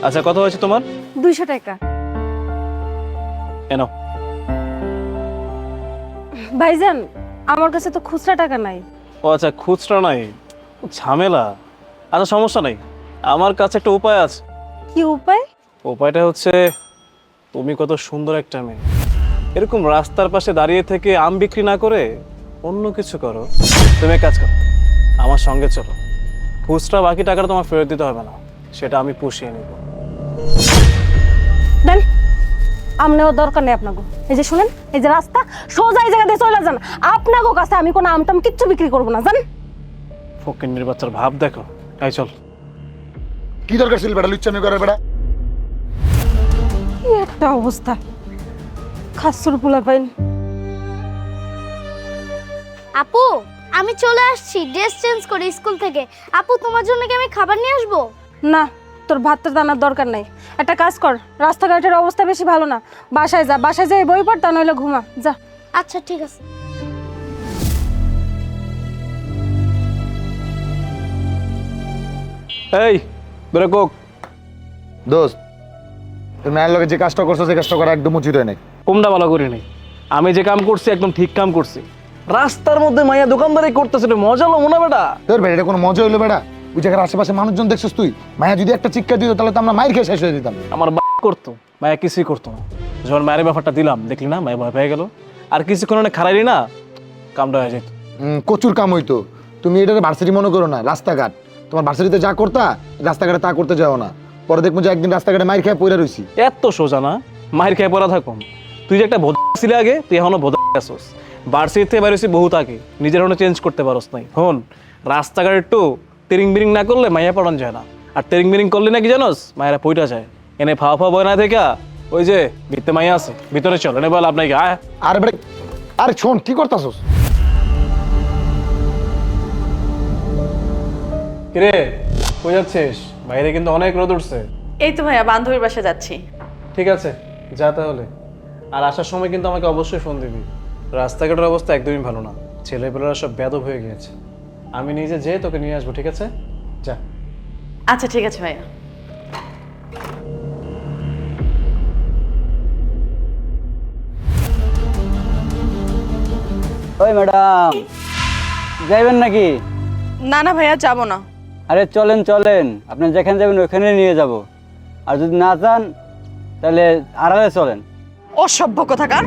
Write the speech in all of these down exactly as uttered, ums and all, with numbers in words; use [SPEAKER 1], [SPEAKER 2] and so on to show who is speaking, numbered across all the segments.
[SPEAKER 1] আচ্ছা কত হয়েছে তোমার?
[SPEAKER 2] দুইশো টাকা।
[SPEAKER 1] এনো।
[SPEAKER 2] ভাইজান আমার কাছে তো খুচরা টাকা নাই।
[SPEAKER 1] ও আচ্ছা খুচরা নাই, ঝামেলা। আচ্ছা সমস্যা নাই, আমার কাছে একটা উপায় আছে।
[SPEAKER 2] কি উপায়?
[SPEAKER 1] উপায়টা হচ্ছে, তুমি কত সুন্দর একটা মেয়ে, এরকম রাস্তার পাশে দাঁড়িয়ে থেকে আম বিক্রি না করে অন্য কিছু করো। তুমি এক কাজ করো, আমার সঙ্গে চলো। খুচরা বাকি টাকাটা তোমার ফেরত দিতে হবে না, সেটা আমি পুষিয়ে নেব।
[SPEAKER 2] দেন, আমনেও দরকার নেই আপনাকে। এই যে শুনেন, এই যে রাস্তা সোজা এই জায়গা দিয়ে চলে যান। আপনাকে কাছে আমি কোনো আমটাম কিচ্ছু বিক্রি করবো না, জান।
[SPEAKER 1] ফকিন্নির বাচ্চার ভাব দেখো। এই চল।
[SPEAKER 3] কি দরকার ছিল বেটা লুচ্চামি করার বেটা?
[SPEAKER 2] কি একটা অবস্থা, খাসুর পোলা পাইন।
[SPEAKER 4] আপু আমি চলে আসছি, ড্রেস চেঞ্জ করে স্কুল থেকে। আপু তোমার জন্য কি আমি খাবার নিয়ে আসবো?
[SPEAKER 2] না, তোর ভাতটা দানার দরকার নাই। একটা কাজ কর, রাস্তাঘাটের অবস্থা বেশি ভালো না, বাসায় যা। বাসায় যাই বই পড়, তা নইলে ঘুমা যা।
[SPEAKER 4] আচ্ছা ঠিক আছে।
[SPEAKER 1] এই ধরে কোক।
[SPEAKER 3] দোস্ত, তুমি মায়ের লগে যে কাজটা করছো সেই কাজটা করা একদম উচিত হয় নাই।
[SPEAKER 1] কোনটা ভালো করি নাই? আমি যে কাম করছি একদম ঠিক কাম করছি। রাস্তার মধ্যে মাইয়া দোকানদারি করতেছে, এটা মজা হলো মনে বেটা?
[SPEAKER 3] তোর বেটা এটা কোনো মজা হইলো বেটা? ওই জায়গার আশেপাশে মানুষজন দেখছিস তুই? মায়া যদি একটা চিৎকার দিত তাহলে তো আমরা মায়ের খেয়ে শেষ হয়ে দিতাম।
[SPEAKER 1] আমার বা করতো, মায়া কিছুই করতো না। যখন মায়ের ব্যাপারটা দিলাম, দেখলি না মায়া ভয় পেয়ে গেল। আর কিছুক্ষণ অনেক খারাইলি না, কামটা হয়ে যেত।
[SPEAKER 3] হুম, প্রচুর কাম হইতো। তুমি এটা ভার্সিটি মনে করো না, রাস্তাঘাট। তোমার ভার্সিটিতে যা করতা রাস্তাঘাটে তা করতে যাও না। পরে দেখবো যে একদিন রাস্তাঘাটে মায়ের খেয়ে পড়ে রইছি।
[SPEAKER 1] এত সোজা না, মায়ের খেয়ে পড়া থাকুন। তুই যে একটা ভোদা ছিলে আগে, তুই এখনো ভোদা আসোস। ভার্সিটি থেকে বেরোছি বহুত আগে, নিজের এখনো চেঞ্জ করতে পারোস নাই। হন, রাস্তাঘাট একটু তেরিং বিরিং না করলে মাইয়া পড়ান যায় না। আর তেরিং বিরিং করলে নাকি জানোস, মায়েরা পইটা যায়। এনে ফাওয়া ফাওয়া বয় না দেখা, ওই যে ভিতরে মাইয়া আছে, ভিতরে চল। এনে বল আপনাকে আয়।
[SPEAKER 3] আরে বেটা, আরে শোন কি করতাছস?
[SPEAKER 1] কিরে কই যাচ্ছিস? বাইরে কিন্তু অনেক রোদ উঠছে।
[SPEAKER 5] এই তো ভাইয়া বান্ধবীর বাসা যাচ্ছি।
[SPEAKER 1] ঠিক আছে যা তাহলে। আর আসার সময় কিন্তু আমাকে অবশ্যই ফোন দিবি। রাস্তাঘাটের অবস্থা একদমই ভালো না, ছেলেপেলেরা সব বেদব হয়ে গিয়েছে। আমি নিজে যেয়ে তোকে নিয়ে আসবো, ঠিক আছে? যা।
[SPEAKER 5] আচ্ছা ঠিক আছে ভাইয়া।
[SPEAKER 6] ওই ম্যাডাম, যাইবেন নাকি?
[SPEAKER 5] না না ভাইয়া যাবো না।
[SPEAKER 6] আরে চলেন চলেন, আপনি যেখানে যাবেন ওখানে নিয়ে যাব। আর যদি না চান তাহলে আড়ালে চলেন।
[SPEAKER 5] অসভ্য কোথাকার।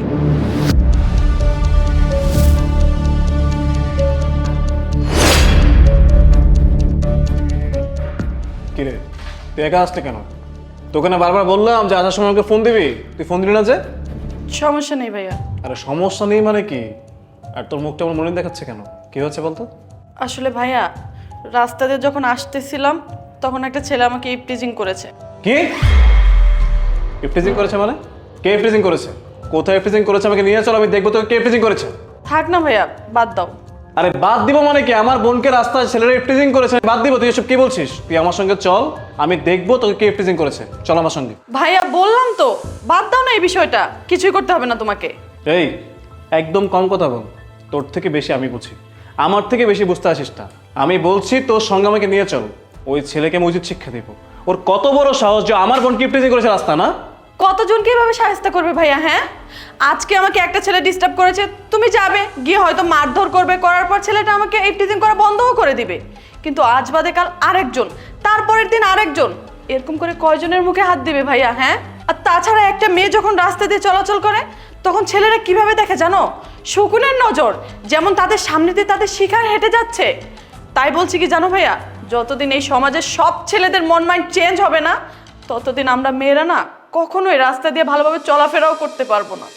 [SPEAKER 1] কিরে তুই একা আসতে কেন? তোকে না বারবার বললাম যে আসার সময় আমাকে ফোন দিবি, তুই ফোন দিলি না যে?
[SPEAKER 5] সমস্যা নেই ভাইয়া।
[SPEAKER 1] আরে সমস্যা নেই মানে কি? আর তোর মুখটা আমার মনে দেখাচ্ছে কেন? কি হচ্ছে বলতো?
[SPEAKER 5] আসলে ভাইয়া, রাস্তা দিয়ে যখন আসতেছিলাম তখন একটা ছেলে আমাকে ইপটিজিং করেছে।
[SPEAKER 1] কি ইফটিজিং করেছে মানে? কে ইফটিজিং করেছে? কোথায় ইফটিজিং করেছে? আমাকে নিয়ে চল, আমি দেখবো তোকে কে ইফটিজিং করেছে।
[SPEAKER 5] থাক না ভাইয়া, বাদ দাও।
[SPEAKER 1] আরে বাদ দিব মানে কি? আমার বোনকে রাস্তায় ছেলেরা ইফটিজিং করেছে, বাদ দিব? তুই এসব কি বলছিস? তুই আমার সঙ্গে চল, আমি দেখবো তোকে কে ইফটিজিং করেছে। চল আমার সঙ্গে।
[SPEAKER 5] ভাইয়া বললাম তো, বাদ দাও না এই বিষয়টা, কিছুই করতে হবে না তোমাকে।
[SPEAKER 1] এই একদম কম কথা বল, তোর থেকে বেশি আমি বুঝি, আমার থেকে বেশি বুঝতে আসিস না। আমি বলছি তোর সঙ্গে আমাকে নিয়ে চল, ওই ছেলেকে আমি উচিত শিক্ষা দিব। ওর কত বড় সাহস যে আমার বোনকে ইফটিজিং করেছে রাস্তা না?
[SPEAKER 5] কতজনকে এভাবে সাহায্য করবে ভাইয়া? হ্যাঁ, আজকে আমাকে একটা ছেলে ডিস্টার্ব করেছে, তুমি যাবে গিয়ে হয়তো মারধর করবে, করার পর ছেলেটা আমাকে ইফটিজিং করা বন্ধও করে দিবে। কিন্তু আজ বাদে কাল আরেকজন, তারপরের দিন আরেকজন, এরকম করে কয়জনের মুখে হাত দিবে ভাইয়া? হ্যাঁ, আর তাছাড়া একটা মেয়ে যখন রাস্তা দিয়ে চলাচল করে তখন ছেলেরা কিভাবে দেখে জানো? শকুনের নজর, যেমন তাদের সামনে দিয়ে তাদের শিকার হেঁটে যাচ্ছে। তাই বলছি কি জানো ভাইয়া, যতদিন এই সমাজের সব ছেলেদের মন মাইন্ড চেঞ্জ হবে না, ততদিন আমরা মেয়েরা না কখনোই রাস্তা দিয়ে ভালোভাবে চলাফেরাও করতে পারবো না।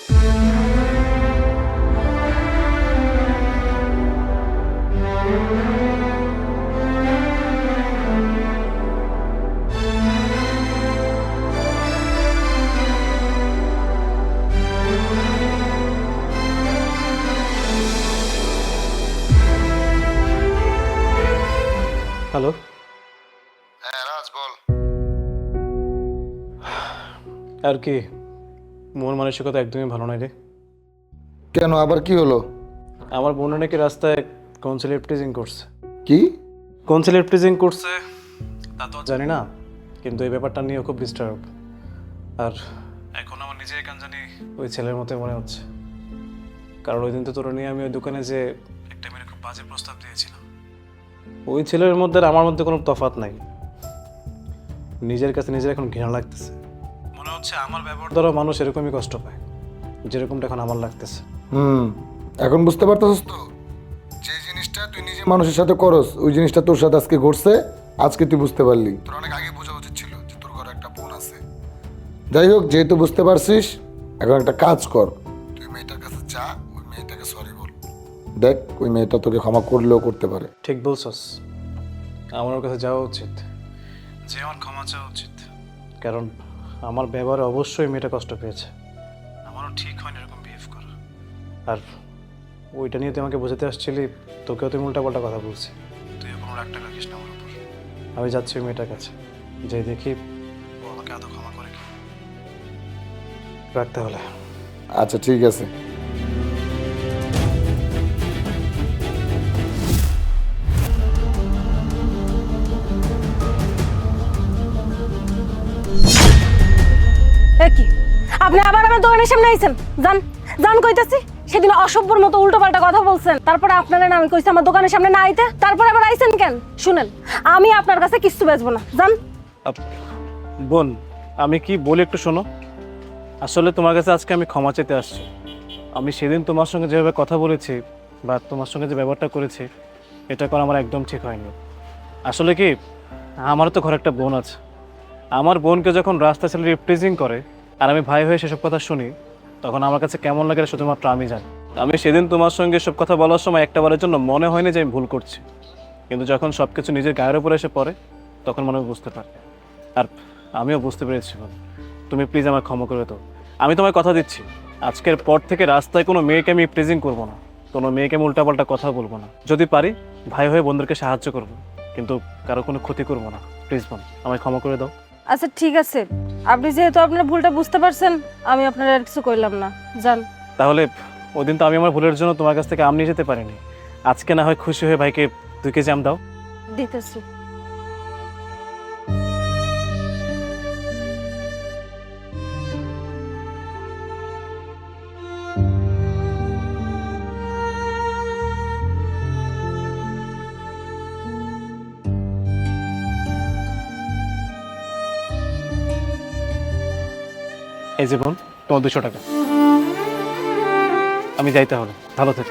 [SPEAKER 1] হ্যালো।
[SPEAKER 3] হ্যাঁ রাজ বল।
[SPEAKER 1] আর কি, মন মানসিকতা একদমই ভালো নাই রে।
[SPEAKER 3] কেন, আবার কি হলো?
[SPEAKER 1] আমার বোনে নাকি রাস্তায় কোন ছেলে ইফটিজিং করছে।
[SPEAKER 3] কি?
[SPEAKER 1] কোন ছেলে ইফটিজিং করছে তা তো জানি না, কিন্তু এই ব্যাপারটা নিয়ে খুব ডিস্টার্ব। আর এখন আমার নিজের কেন জানি ওই ছেলের মতো মনে হচ্ছে, কারণ ওই দিন তো তোর নিয়ে আমি ওই দোকানে যে একটা মেয়ের খুব বাজে প্রস্তাব দিয়েছিলাম। ওই ছেলের মধ্যে আর আমার মধ্যে কোনো তফাৎ নাই। নিজের কাছে নিজের এখন ঘৃণা লাগতেছে, মনে হচ্ছে আমার ব্যবহার দ্বারা মানুষ এরকমই কষ্ট পায় যেরকমটা এখন আমার লাগতেছে।
[SPEAKER 3] হুম, এখন বুঝতে পারতেছিস তো যে জিনিসটা তুই নিজে মানুষের সাথে করস ওই জিনিসটা তোর সাথে আজকে ঘটছে, আজকে তুই বুঝতে পারলি। তোর অনেক আগে বোঝা উচিত ছিল যে তোর ঘরে একটা বোন আছে। যাই হোক, যেহেতু বুঝতে পারছিস, এখন একটা কাজ কর, তুই মেয়েটার কাছে যা, ওই মেয়েটাকে সরি বল। দেখ ওই মেয়েটা তোকে ক্ষমা করলেও করতে পারে।
[SPEAKER 1] ঠিক বলছস, আমার ওর কাছে যাওয়া উচিত, যে আমার ক্ষমা চাওয়া উচিত, কারণ আমার ব্যবহারে অবশ্যই মেয়েটা কষ্ট পেয়েছে। আমারও ঠিক হয়নি এরকম বিহেভ করা। আর ওইটা নিয়ে তুই আমাকে বোঝাতে আসছিলি, তোকেও তুই উল্টাপাল্টা কথা বলছি, তুই কোনো রাগটা রাখিস না আমার উপর। আমি যাচ্ছি ওই মেয়েটার কাছে, যাই দেখি ও আমাকে আদৌ ক্ষমা করে কি। রাখতে হলে
[SPEAKER 3] আচ্ছা ঠিক আছে।
[SPEAKER 2] এ কি, আপনি আবার আমার দোকানের সামনে আইছেন? যান যান কইতাছি। সেদিন অসভ্যর মতো উল্টোপাল্টা কথা বলছেন, তারপরে আপনারা না আমি কইছি আমার দোকানের সামনে না আইতে, তারপরে আবার আইছেন কেন? শুনেন, আমি আপনার কাছে কিচ্ছু বেচবো না, যান।
[SPEAKER 1] আপ- বোন, আমি কি বলি একটু শোনো। আসলে তোমার কাছে আজকে আমি ক্ষমা চেতে আসছি। আমি সেদিন তোমার সঙ্গে যেভাবে কথা বলেছি বা তোমার সঙ্গে যে ব্যবহারটা করেছি, এটা করা আমার একদম ঠিক হয়নি। আসলে কি, আমারও তো ঘরে একটা বোন আছে। আমার বোনকে যখন রাস্তা ছেলে রিপ্রেজিং করে আর আমি ভাই হয়ে সেসব কথা শুনি, তখন আমার কাছে কেমন লাগে শুধুমাত্র আমি জানি। আমি সেদিন তোমার সঙ্গে সব কথা বলার সময় একটাবারের জন্য মনে হয়নি যে আমি ভুল করছি, কিন্তু যখন সব কিছু নিজের গায়ের উপরে এসে পড়ে তখন মনে বুঝতে পারে। আর আমিও বুঝতে পেরেছি বোন, তুমি প্লিজ আমায় ক্ষমা করে দাও। আমি তোমায় কথা দিচ্ছি, আজকের পর থেকে রাস্তায় কোনো মেয়েকে আমি প্রেজিং করবো না, কোনো মেয়েকে আমি উল্টাপাল্টা কথা বলবো না। যদি পারি ভাই হয়ে বন্ধুদেরকে সাহায্য করবো, কিন্তু কারো কোনো ক্ষতি করবো না। প্লিজ বোন, আমায় ক্ষমা করে দাও।
[SPEAKER 2] আচ্ছা ঠিক আছে, আপনি যেহেতু আপনার ভুলটা বুঝতে পারছেন, আমি আপনার আর কিছু কইলাম না, যান।
[SPEAKER 1] তাহলে ওই দিন তো আমি আমার ভুলের জন্য তোমার কাছ থেকে আম নিয়ে যেতে পারিনি, আজকে না হয় খুশি হয়ে ভাইকে দুই কেজি আম দাও।
[SPEAKER 2] দিতেছি।
[SPEAKER 1] এই যে বোন, তোমার দুশো টাকা। আমি যাই তাহলে, ভালো থেকো।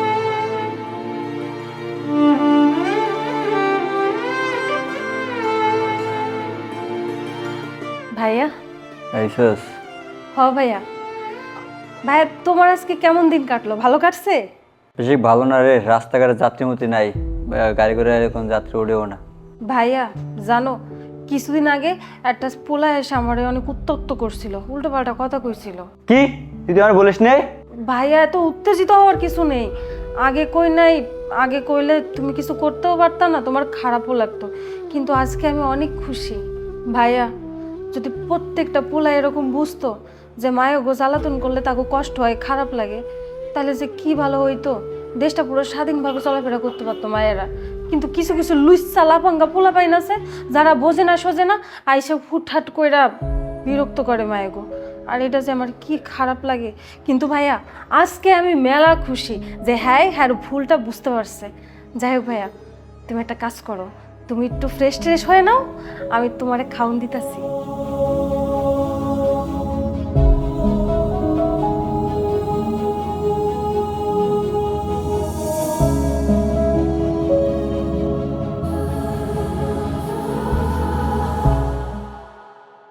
[SPEAKER 2] ভাইয়া।
[SPEAKER 6] আইসস?
[SPEAKER 2] হ ভাইয়া। ভাইয়া, তোমার আজকে কেমন দিন কাটলো? ভালো কাটছে?
[SPEAKER 6] বেশি ভালো না রে, রাস্তাঘাটে যাত্রীমতি নাই, গাড়ি করে এখন যাত্রী উঠেও না।
[SPEAKER 2] ভাইয়া জানো, কিছুদিন আগে একটা পোলা এসে আমার অনেক উত্তপ্ত করছিল, উল্টো পাল্টা কথা কইছিল।
[SPEAKER 6] কি তুই আমার বলিস নে?
[SPEAKER 2] ভাইয়া, এত উত্তেজিত হওয়ার কিছু নেই। আগে কই নাই, আগে কইলে তুমি কিছু করতেও পারতা না, তোমার খারাপও লাগতো, কিন্তু আজকে আমি অনেক খুশি। ভাইয়া, যদি প্রত্যেকটা পোলা এরকম বুঝতো যে মায়ের গো জ্বালাতন করলে তাকে কষ্ট হয়, খারাপ লাগে, তাহলে যে কি ভালো হইতো, দেশটা পুরো স্বাধীনভাবে চলাফেরা করতে পারতো মায়েরা। কিন্তু কিছু কিছু লুচ্চা লাফাঙ্গা পোলা পাইন আছে যারা বোঝে না সোজে না, আইসা হুটহাট কইরা বিরক্ত করে মায়ের গো। আর এটা যে আমার কি খারাপ লাগে। কিন্তু ভাইয়া, আজকে আমি মেলা খুশি যে হ্যাঁ হ্যাঁ ভুলটা বুঝতে পারছে। যাই হোক ভাইয়া, তুমি একটা কাজ করো, তুমি একটু ফ্রেশ ট্রেশ হয়ে নাও, আমি তোমারে খাওন দিতেছি।